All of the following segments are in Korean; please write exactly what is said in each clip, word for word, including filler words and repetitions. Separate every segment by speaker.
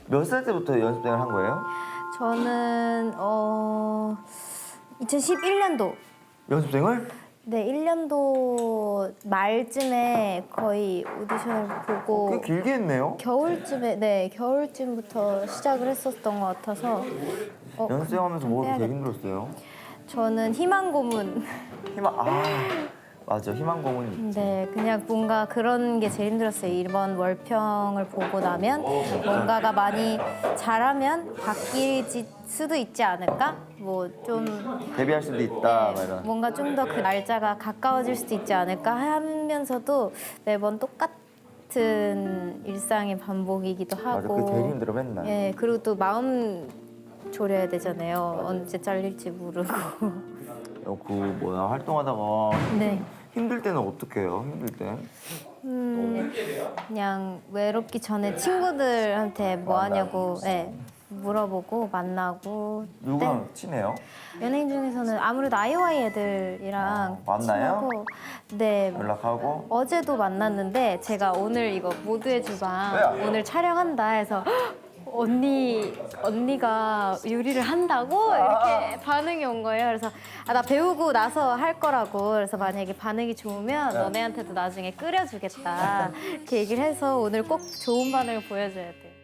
Speaker 1: 몇 살 때부터 연습생을 한 거예요?
Speaker 2: 저는 어 이천십일 년도
Speaker 1: 연습생을?
Speaker 2: 네 일 년도 말쯤에 거의 오디션을 보고
Speaker 1: 꽤 길게 했네요.
Speaker 2: 겨울쯤에 네 겨울쯤부터 시작을 했었던 것 같아서 어,
Speaker 1: 연습생하면서 뭐가
Speaker 2: 빼야겠다.
Speaker 1: 되게 힘들었어요?
Speaker 2: 저는 희망 고문
Speaker 1: 희망 아 맞아 희망 고문.
Speaker 2: 네 그냥 뭔가 그런 게 제일 힘들었어요. 이번 월평을 보고 나면 뭔가가 많이 잘하면 바뀔 수도 있지 않을까? 뭐 좀
Speaker 1: 데뷔할 수도 있다 막 이런.
Speaker 2: 뭔가 좀 더 그 날짜가 가까워질 수도 있지 않을까 하면서도 매번 똑같은 일상의 반복이기도
Speaker 1: 맞아
Speaker 2: 하고
Speaker 1: 그게 제일 힘들어 맨날.
Speaker 2: 예 그리고 또 마음 졸여야 되잖아요. 언제 잘릴지 모르고.
Speaker 1: 어, 그 뭐야 활동하다가
Speaker 2: 네.
Speaker 1: 힘들 때는 어떻게 해요? 힘들 때?
Speaker 2: 음, 그냥 외롭기 전에 친구들한테 뭐 하냐고 네, 물어보고 만나고.
Speaker 1: 누구랑 친해요?
Speaker 2: 연예인 중에서는 아무래도 아이오아이 애들이랑
Speaker 1: 어, 만나요?
Speaker 2: 친하고, 네.
Speaker 1: 연락하고?
Speaker 2: 어제도 만났는데 제가 오늘 이거 모두의 주방
Speaker 1: 왜요?
Speaker 2: 오늘 촬영한다 해서 "헉, 언니 언니가 요리를 한다고 이렇게 반응이 온 거예요. 그래서 아, 나 배우고 나서 할 거라고. 그래서 만약에 반응이 좋으면 너네한테도 나중에 끓여주겠다 이렇게 얘기를 해서 오늘 꼭 좋은 반응을 보여줘야 돼.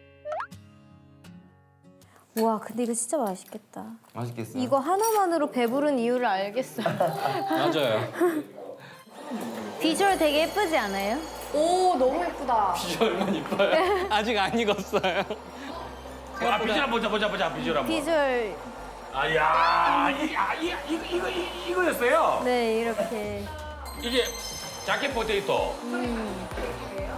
Speaker 2: 와 근데 이거 진짜 맛있겠다.
Speaker 1: 맛있겠어요?
Speaker 2: 이거 하나만으로 배부른 이유를 알겠어요.
Speaker 3: 맞아요.
Speaker 2: 비주얼 되게 예쁘지 않아요?
Speaker 4: 오 너무 예쁘다.
Speaker 3: 비주얼만 이뻐요. 아직 안 익었어요.
Speaker 5: 아 비주얼 보자 보자 보자 비주얼 한번.
Speaker 2: 비주얼
Speaker 5: 아야 이, 아, 이, 이거 이거 이- 이거였어요.
Speaker 2: 네 이렇게
Speaker 5: 이게 자켓 포테이토.